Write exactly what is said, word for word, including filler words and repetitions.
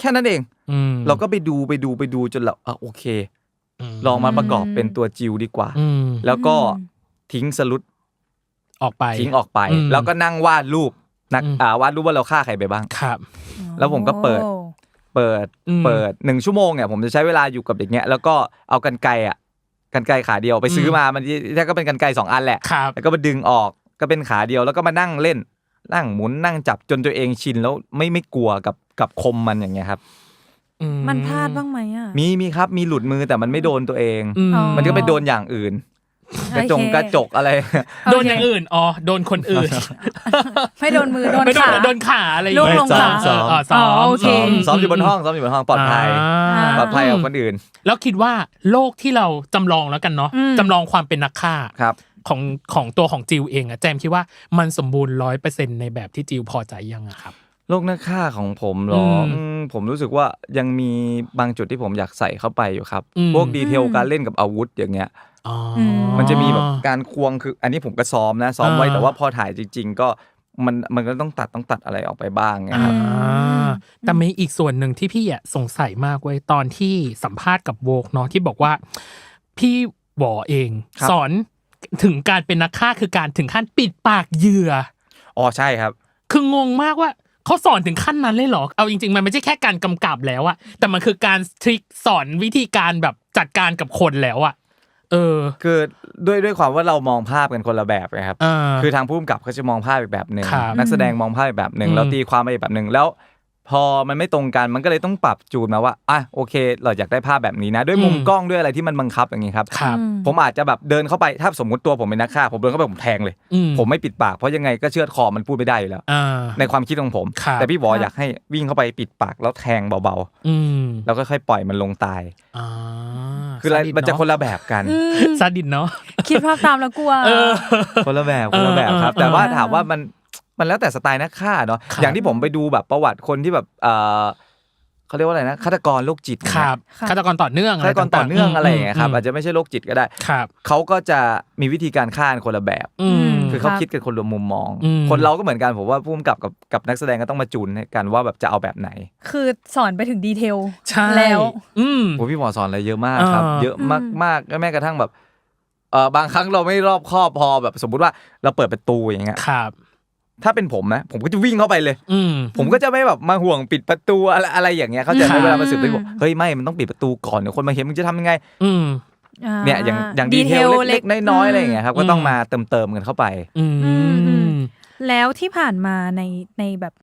ค่นั้นเองเราก็ไปดูไปดูไปดูจนเราอ่ะโอเคลองมาประกอบเป็นตัวจิวดีกว่าแล้วก็ทิ้งสลุดออกไปทิ้งออกไปแล้วก็นั่งวาดรูปนักอ่าวาดรูปว่าเราฆ่าใครไปบ้างครับแล้วผมก็เปิดเปิดเปิดหนึ่งชั่วโมงเนี่ยผมจะใช้เวลาอยู่กับเด็กเนี้ยแล้วก็เอากรรไกรอ่ะกรรไกรขาเดียวไปซื้อมามันถ้าก็เป็นกรรไกรสองอันแหละแล้วก็มาดึงออกก็เป็นขาเดียวแล้วก็มานั่งเล่นนั่งหมุนนั่งจับจนตัวเองชินแล้วไม่ไม่กลัวกับกับคมมันอย่างเงี้ยครับมันพลาดบ้างไหมอ่ะมีมีครับมีหลุดมือแต่มันไม่โดนตัวเองมันก็ไปโดนอย่างอื่นกระจงกระจกอะไรโดนอย่างอื่นอ๋อโดนคนอื่นไม่โดนมือโดนขาโดนขาอะไรลูกลงขาซ้อมซ้อมซ้อมอยู่บนห้องซ้อมอยู่บนห้องปลอดภัยปลอดภัยกับคนอื่นแล้วคิดว่าโลกที่เราจำลองแล้วกันเนาะจำลองความเป็นนักฆ่าของของตัวของจิวเองอะแจมคิดว่ามันสมบูรณ์ ร้อยเปอร์เซ็นต์ ในแบบที่จิวพอใจยังอะครับโลกนักฆ่าของผมหรอผมรู้สึกว่ายังมีบางจุดที่ผมอยากใส่เข้าไปอยู่ครับพวกดีเทลการเล่นกับอาวุธอย่างเงี้ยมันจะมีแบบการควงคืออันนี้ผมก็ซ้อมนะซ้อมไว้แต่ว่าพอถ่ายจริงๆก็มันมันก็ต้องตัดต้องตัดอะไรออกไปบ้างไงครับแต่มีอีกส่วนหนึ่งที่พี่อ่ะสงสัยมากเว้ยตอนที่สัมภาษณ์กับโวกเนาะที่บอกว่าพี่หวอเองสอนถึงการเป็นนักฆ่าคือการถึงขั้นปิดปากเหยื่ออ๋อใช่ครับคืองงมากว่าเขาสอนถึงขั้นนั้นเลยเหรอเอาจริงๆมันไม่ใช่แค่การกำกับแล้วอะแต่มันคือการทริคสอนวิธีการแบบจัดการกับคนแล้วอะเออคือด้วยด้วยความว่าเรามองภาพกันคนละแบบนะครับคือทางผู้กำกับเขาจะมองภาพอีกแบบนึงนักแสดงมองภาพอีกแบบนึงแล้วตีความไปอีกแบบนึงแล้วพอมันไม่ตรงกันมันก็เลยต้องปรับจูนมาว่าอ่ะโอเคเราอยากได้ภาพแบบนี้นะด้วยมุมกล้องด้วยอะไรที่มันบังคับอย่างงี้ครับผมอาจจะแบบเดินเข้าไปถ้าสมมุติตัวผมเป็นนักฆ่าผมเดินเข้าไปผมแทงเลยผมไม่ปิดปากเพราะยังไงก็เชือดคอมันพูดไม่ได้อยู่แล้วในความคิดของผมแต่พี่บออยากให้วิ่งเข้าไปปิดปากแล้วแทงเบาๆแล้วก็ค่อยปล่อยมันลงตายคือมันจะคนละแบบกันซาดิสเนาะคิดภาพตามแล้วกลัวคนละแบบคนละแบบครับแต่ว่าถามว่ามันมันแล้วแต่สไตล์นักฆ่าเนาะอย่างที่ผมไปดูแบบประวัติคนที่แบบเออเขาเรียกว่าอะไรนะฆาตกรโรคจิตครับฆาตกรต่อเนื่องฆาตกรต่อเนื่องอะไรอย่างเงี้ยครับอาจจะไม่ใช่โรคจิตก็ได้เขาก็จะมีวิธีการฆ่าคนละแบบคือเขาคิดกันคนละมุมมองคนเราก็เหมือนกันผมว่าผู้กำกับกับกับนักแสดงก็ต้องมาจูนกันว่าแบบจะเอาแบบไหนคือสอนไปถึงดีเทลแล้วโอ้พี่หมอสอนอะไรเยอะมากครับเยอะมากๆแม้กระทั่งแบบเออบางครั้งเราไม่รอบคอบพอแบบสมมุติว่าเราเปิดประตูอย่างเงี้ยถ้าเป็นผมนะผมก็จะวิ่งเข้าไปเลยผมก็จะไม่แบบมาห่วงปิดประตูอะไรอะไรอย่างเงี้ยเขาจะเวลามาสืบไปบอกเฮ้ยไม่มันต้องปิดประตูก่อนเดี๋ยวคนมาเห็นมึงจะทำยังไงเนี่ยอย่างอย่างดีเทลเล็กๆน้อยๆอะไรอย่างเงี้ยครับก็ต้องมาเติมเติมกันเข้าไปแล้วที่ผ่านมาในในแบบ